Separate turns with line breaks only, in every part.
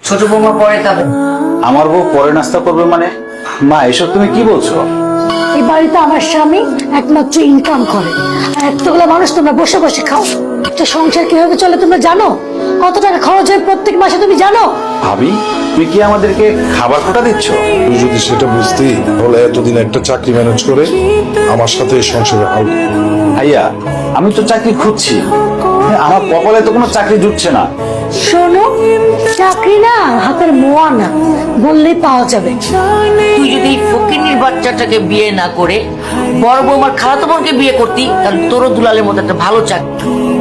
ছোট বৌমা পরে খাবে।
আমার বউ পরে নাস্তা করবে মানে? মা এসব তুমি কি বলছো?
এই বাড়িতে আমার স্বামী একমাত্র ইনকাম করে, আর এতগুলো মানুষ তোমরা বসে বসে খাও। একটা সংসার কিভাবে চলে তোমরা জানো? কত টাকা খরচ হয় প্রত্যেক মাসে তুমি জানো?
ভাবি তুমি কি আমাদেরকে খাবার খোটা দিচ্ছ?
তুই যদি সেটা বুঝতি তাহলে এতদিন একটা চাকরি ম্যানেজ করে আমার সাথে এই সংসারে হাল।
ভাইয়া আমি তো চাকরি খুঁজছি, আমার কপালে তো কোনো চাকরি জুটছে না।
শোনো, চাকরি না হাতের মোয়া না, বললেই পাওয়া যাবে।
তুই যদি ফকিনীর বাচ্চাটাকে বিয়ে না করে বড় বৌমার খালাতো বোনকে বিয়ে করতি, তাহলে তোরও দুলালের মতো একটা ভালো চাকরি।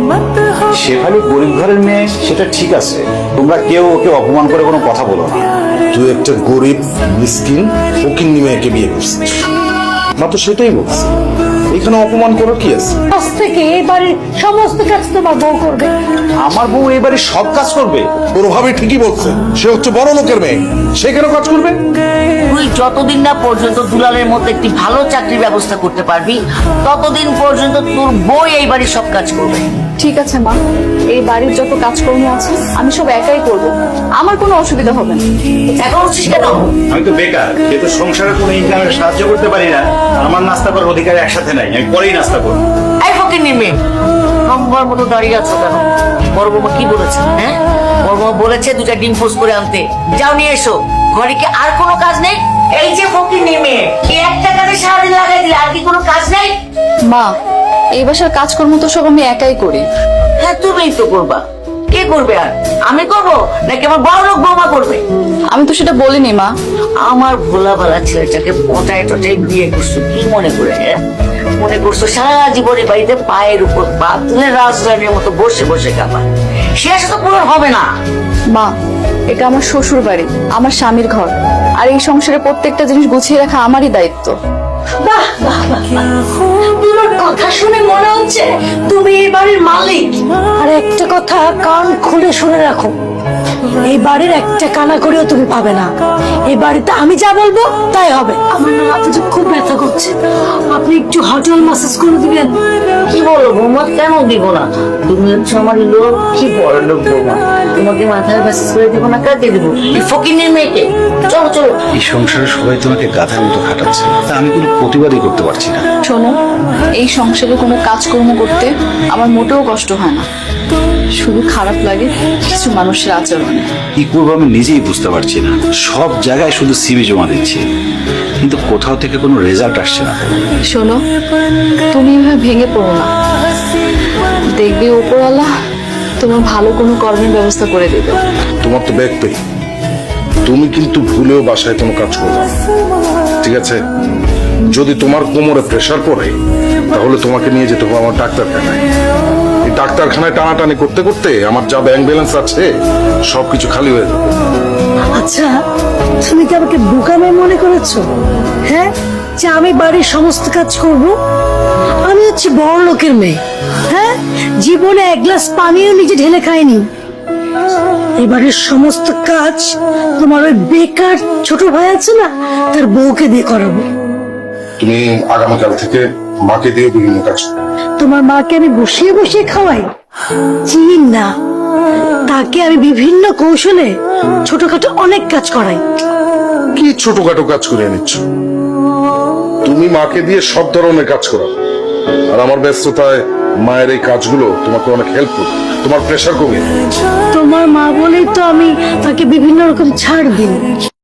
শেফালি গরিব ঘরের মেয়ে, সেটা ঠিক আছে, তোমরা কেউ ওকে অপমান করে কোনো কথা বলো না।
তুই একটা গরিব মিসকিন ফকিন্নি মেয়েকে বিয়ে করছিস, মা তো সেটাই বলছি। এখানে অপমান করার কি আছে?
আজ থেকে এই বাড়ির সমস্ত কাজ তোমার বউ করবে।
আমার বউ এবারে সব কাজ করবে?
তোর ভাবে ঠিকই বলছে, সে হচ্ছে বড় লোকের মেয়ে, সে কেন কাজ করবে?
তুই যতদিন না পর্যন্ত দুলালের মতো একটি ভালো চাকরির ব্যবস্থা করতে পারবি, ততদিন পর্যন্ত তোর বউ এই বাড়ির সব কাজ করবে।
ঠিক আছে মা, এই বাড়ির যত কাজকর্ম আছে আমি সব একাই করব, আমার কোনো অসুবিধা হবে না।
এখন হচ্ছিস কেন?
আমি তো বেকার, যেহেতু সংসারে কোনো ইনকামের সাহায্য করতে পারি না, আমার নাস্তা করার অধিকার একসাথে নাই, আমি পরেই নাস্তা করবো।
এই ফকিনীর মেয়ে, নম্বর মতো দাঁড়িয়ে আছো কেন? বড় বৌমা কি বলেছে? হ্যাঁ, বড় বৌমা বলেছে দুটা ডিম পোস্ট করে আনতে, যাও নিয়ে এসো। ঘরে কি আর কোনো কাজ নেই? এই যে ফকিনীর মেয়ে, এই একটা কাজে সারাদিন লাগাই দিলে আর কি কোনো কাজ নেই?
মা, এই বাসার কাজকর্ম তো সব আমি একাই করি।
হ্যাঁ, তুমিই তো করবা। কে করবে আর? আমি করবো নাকি আমার বড় লোক বৌমা করবে?
আমি তো সেটা বলিনি মা।
আমার ভোলা ভালা ছেলেটাকে পটায় টটায় বিয়ে করছো কি মনে করে? মনে করছো সারা জীবনে বাড়িতে পায়ের উপর পা তুলে রাজধানীর মতো বসে বসে খাবা? সে আশা তো পূরণ হবে না।
মা, এটা আমার শ্বশুর বাড়ি, আমার স্বামীর ঘর, আর এই সংসারে প্রত্যেকটা জিনিস গুছিয়ে রাখা আমারই দায়িত্ব।
বাহ বাহ বাহ বাহ। তোমার কথা শুনে মনে হচ্ছে তুমি এই বাড়ির মালিক। আর একটা কথা কান খুলে শুনে রাখো, এই বাড়ির একটা কানা করেও তুমি পাবে না। এই বাড়িতে আমি যা বলবো তাই হবে। আমার না মাথাটা খুব ব্যথা করছে, আপনি একটু হটল ম্যাসাজ করে দিবেন?
কি বলো বৌমা, কেন দিব না? তুমি হচ্ছে আমার লোক, কি বড় লোক বৌমা, তোমাকে মাথায় মেসেজ করে দিব না? কাকে দিব? এই ফকিনীর মেয়েকে? চলো চলো।
এই সংসারে সবাই তোমাকে গাধার মতো খাটাচ্ছে, তা আমি কোনো প্রতিবাদই করতে পারছি না।
শোনো, এই সংসারে কোনো কাজকর্ম করতে আমার মোটেও কষ্ট হয় না, শুধু খারাপ লাগে কিছু মানুষের আচরণে।
কি করবো আমি নিজেই বুঝতে পারছি না। সব জায়গায় শুধু সিভি জমা দিচ্ছি, কিন্তু কোথাও থেকে কোনো রেজাল্ট আসছে না।
শোনো, তুমি এভাবে ভেঙে পড়ো না, দেখবে উপরওয়ালা তোমার ভালো কোনো কর্মের ব্যবস্থা করে দেবে।
তোমার তো ব্যাগ পে, তুমি কিন্তু ভুলেও বাসায় কোনো কাজ করবে না, ঠিক আছে? যদি তোমার কোমরে প্রেসার পড়ে তাহলে তোমাকে নিয়ে যেতে হবে আমার ডাক্তারখানায়। এই ডাক্তারখানায় টানাটানি করতে করতে আমার যা ব্যাংক ব্যালেন্স আছে সবকিছু খালি হয়ে যাবে।
আচ্ছা, তুমি কি আমাকে বোকামে মনে করেছো? হ্যাঁ, যে আমি বাড়ির সমস্ত কাজ করব? আমি হচ্ছে বড় লোকের মেয়ে। হ্যাঁ, জীবনে এক গ্লাস পানিও নিজে ঢেলে খাইনি। এবারের সমস্ত কাজ তোমার ওই বেকার ছোট ভাই আছে না, তার বউকে দিয়ে করাবো।
তুমি আগামীকাল থেকে মাকে দিয়ে বিভিন্ন কাজ করো।
তোমার মাকে আমি বসিয়ে বসিয়ে খাওয়াই? চিন না, তাকে আমি বিভিন্ন কৌশলে ছোটখাটো অনেক কাজ করাই।
কি ছোটখাটো কাজ করে নিচ্ছ? তুমি মাকে দিয়ে সব ধরনের কাজ করো, আর আমার ব্যস্ততায় মায়ের এই কাজগুলো তোমাকে অনেক হেল্প করবে, তোমার প্রেশার কমিয়ে।
তোমার মা বলেই তো আমি তাকে বিভিন্ন রকম ছাড় দিই।